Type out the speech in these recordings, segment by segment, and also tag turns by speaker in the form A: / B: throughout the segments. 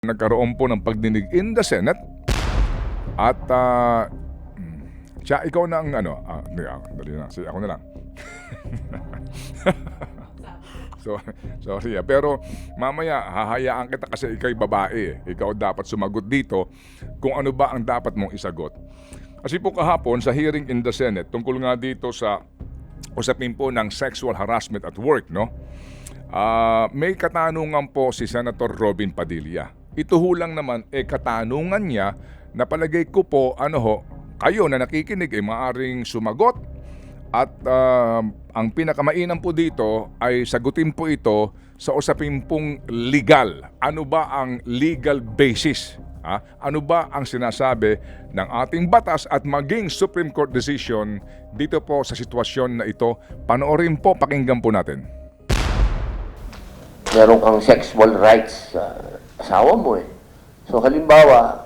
A: Nagkaroon po ng pagdinig in the Senate at siya, ikaw na ang dali na, ako na lang. Sorry pero mamaya hahayaan kita kasi ikaw'y babae. Ikaw dapat sumagot dito kung ano ba ang dapat mong isagot. Kasi po kahapon sa hearing in the Senate tungkol nga dito sa usapin po ng sexual harassment at work, no? May katanungan po si Senator Robin Padilla. Ito ho lang naman katanungan niya na palagay ko po kayo na nakikinig maaring sumagot at ang pinakamainam po dito ay sagutin po ito sa usapin pong legal. Ano ba ang legal basis? Ano ba ang sinasabi ng ating batas at maging Supreme Court decision dito po sa sitwasyon na ito? Panoorin po, pakinggan po natin.
B: Meron kang sexual rights sa asawa mo So halimbawa,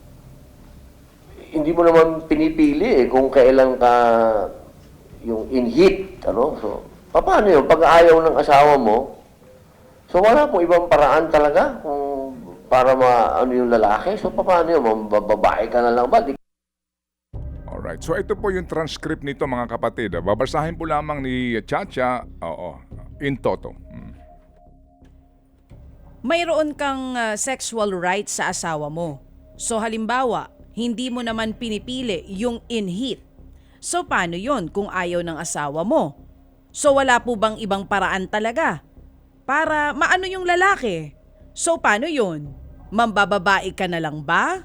B: hindi mo naman pinipili kung kailan ka yung in heat, So, paano yun? Pag ayaw ng asawa mo, so wala pong ibang paraan talaga kung para yung lalaki. So, paano yun? Babae ka na lang ba?
A: Alright, so ito po yung transcript nito mga kapatid. Babasahin po lamang ni Chacha, in toto.
C: Mayroon kang sexual rights sa asawa mo. So halimbawa, hindi mo naman pinipili yung in heat. So paano yon kung ayaw ng asawa mo? So wala po bang ibang paraan talaga para maano yung lalaki? So paano yon? Mambababae ka na lang ba?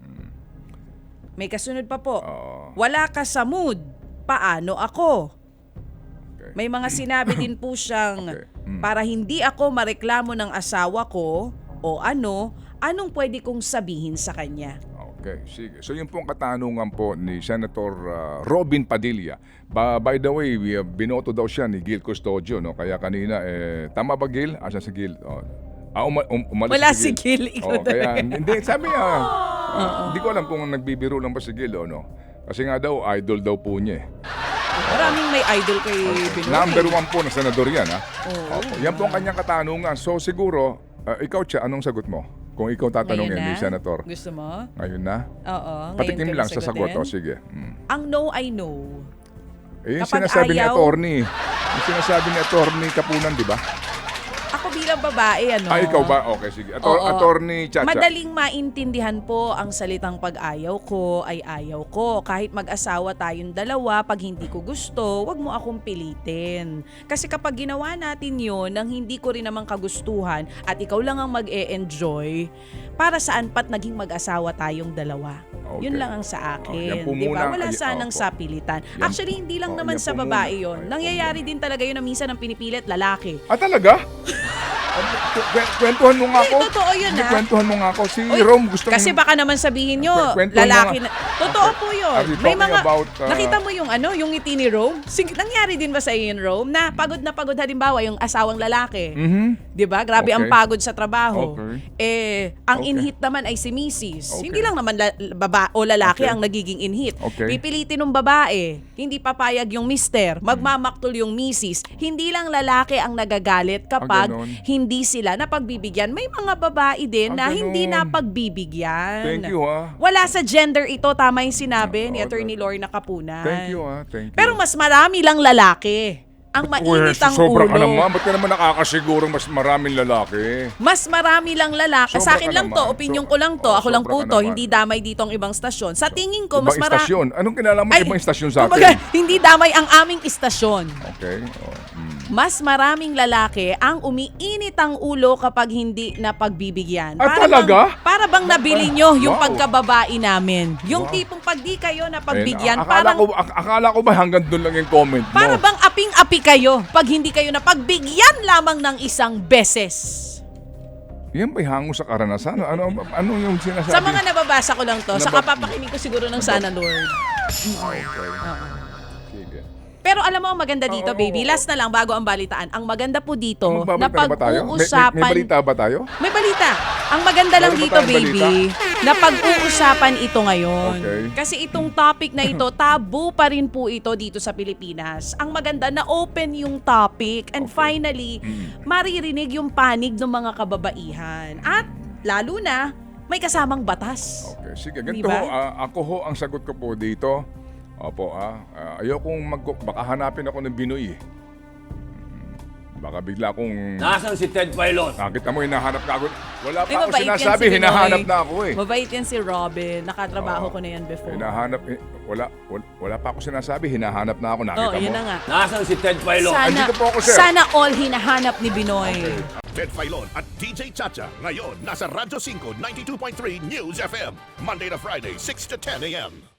C: May kasunod pa po. Wala ka sa mood. Paano ako?
A: Okay.
C: May mga sinabi din po siyang para hindi ako mareklamo ng asawa ko o anong pwede kong sabihin sa kanya.
A: Okay, sige. So yung pong katanungan po ni Senator Robin Padilla. By the way, binoto daw siya ni Gil Custodio, no? Kaya kanina, tama ba Gil? Asa si Gil? Umalis
C: Wala si Gil.
A: Kaya, hindi, sabi niya, hindi ko alam kung nagbibiro lang ba si Gil o no. Kasi nga daw, idol daw po niya
C: Maraming may idol kay Binoy.
A: Number 1 po na senador yan, Opo. Yan po ang kanyang katanungan. So siguro, ikaw Cha, anong sagot mo? Kung ikaw tatanungin ni Senator.
C: Gusto mo?
A: Ngayon na?
C: Oo.
A: Patikim lang sa sagot. Sige.
C: Ang no, I know.
A: Yung
C: Kapag
A: sinasabi ni
C: ayaw-
A: attorney. Yung sinasabi ni attorney Kapunan, di ba?
C: Ako bilang babae,
A: Ikaw ba? Okay, sige.
C: Oo.
A: Attorney Chacha.
C: Madaling maintindihan po ang salitang pag-ayaw ko ay ayaw ko. Kahit mag-asawa tayong dalawa, pag hindi ko gusto, wag mo akong pilitin. Kasi kapag ginawa natin yun nang hindi ko rin naman kagustuhan at ikaw lang ang mag-e-enjoy, para saan pat naging mag-asawa tayong dalawa?
A: Okay.
C: Yun lang ang sa
A: yan
C: akin.
A: po
C: Di ba?
A: muna
C: Wala
A: ang-
C: sanang sapilitan.
A: Yan-
C: Actually, hindi lang naman
A: yan
C: sa
A: po
C: babae
A: muna.
C: yun.
A: Ay,
C: Nangyayari din talaga yun na minsan ang pinipilit lalaki.
A: Talaga? Kwentuhan mo nga ako.
C: Hindi, totoo yun,
A: Kwentuhan mo nga ako. Si
C: Uy,
A: Rome gusto
C: Kasi baka naman sabihin nyo,
A: Kwentuhan mo
C: lalaki
A: nga.
C: na. Totoo po yun.
A: Are you
C: May
A: talking
C: mga,
A: about,
C: nakita mo yung yung ngiti ni Rome? Nangyari din ba sa iyo yung Rome? Na pagod halimbawa yung asawang lalaki. Di ba? Grabe ang
A: Okay.
C: pagod sa trabaho.
A: Okay.
C: Ang
A: Okay.
C: inhit naman ay si Mrs.
A: Okay.
C: Hindi lang naman lalaki
A: Okay.
C: ang nagiging inhit.
A: Okay.
C: Pipilitin ng babae, hindi papayag yung mister, magmamaktol yung Mrs. Hindi lang lalaki ang nagagalit kapag
A: ganon.
C: hindi sila napagbibigyan. May mga babae din na hindi
A: ganon.
C: napagbibigyan.
A: Thank you,
C: Wala sa gender ito, tama yung sinabi ni
A: Oo,
C: Attorney Lorna Kapunan.
A: Thank you, Thank you.
C: Pero mas marami lang lalaki. Ang mainit ang
A: sobra ka
C: ulo.
A: naman. Ba't ka naman nakakasiguro mas maraming lalaki?
C: Mas marami lang lalaki.
A: Sobra
C: Sa akin
A: ka
C: lang
A: naman.
C: to, opinion ko lang to. Ako lang
A: sobra
C: po
A: ka
C: to,
A: naman.
C: hindi damay dito ang ibang istasyon. Sa tingin ko, mas
A: Ibang
C: marami.
A: istasyon. Anong kinalaman ibang istasyon sa
C: Kumbaga,
A: atin?
C: hindi damay ang aming istasyon.
A: Okay.
C: Mas maraming lalaki ang umiinit ang ulo kapag hindi napagbibigyan.
A: Talaga?
C: Para bang nabili nyo yung
A: Wow.
C: pagkababae namin. Yung
A: Wow.
C: tipong pag di kayo napagbigyan,
A: Akala ko ba hanggang doon lang yung comment mo?
C: para bang aping-api kayo pag hindi kayo napagbigyan lamang ng isang beses.
A: Yan ba'y hango sa karanasan? Ano yung sinasabi?
C: Sa mga nababasa ko lang to, sa
A: Nabab-
C: kapapakinig ko siguro ng Sana Lord.
A: Okay. Sige.
C: Pero alam mo, ang maganda dito,
A: Oo,
C: baby. Last na lang, bago ang balitaan. Ang maganda po dito, na
A: Magbabalita na ba tayo?
C: pag-uusapan...
A: May balita ba tayo?
C: May balita. Ang maganda lang
A: Meron ba
C: dito,
A: tayong
C: baby, na pag-uusapan ito ngayon.
A: Okay.
C: Kasi itong topic na ito, tabu pa rin po ito dito sa Pilipinas. Ang maganda na open yung topic and finally, maririnig yung panig ng mga kababaihan. At lalo na may kasamang batas.
A: Okay, sige. Ganito
C: Diba?
A: ho, ako ho ang sagot ko po dito. Opo, ayokong baka hanapin ako ng Binoy eh. Baka bigla akong...
D: Nasaan si Ted Filon?
A: Nakita mo, hinahanap ka ako. Wala pa
C: Ay,
A: ako
C: mabait yan
A: sinasabi,
C: si Binoy.
A: hinahanap na ako eh.
C: Mabait yan si Robin. Nakatrabaho
A: Oo.
C: ko na yan before.
A: Hinahanap, wala pa ako sinasabi, hinahanap na ako. Nakita
C: Oo,
A: mo?
C: yun na nga.
D: Nasaan si Ted Filon?
C: Sana,
A: Andito po ako, sir.
C: sana all hinahanap ni Binoy.
E: Ted Filon at DJ Chacha. Ngayon, nasa Radyo 5, 92.3 News FM. Monday to Friday, 6 to 10 a.m.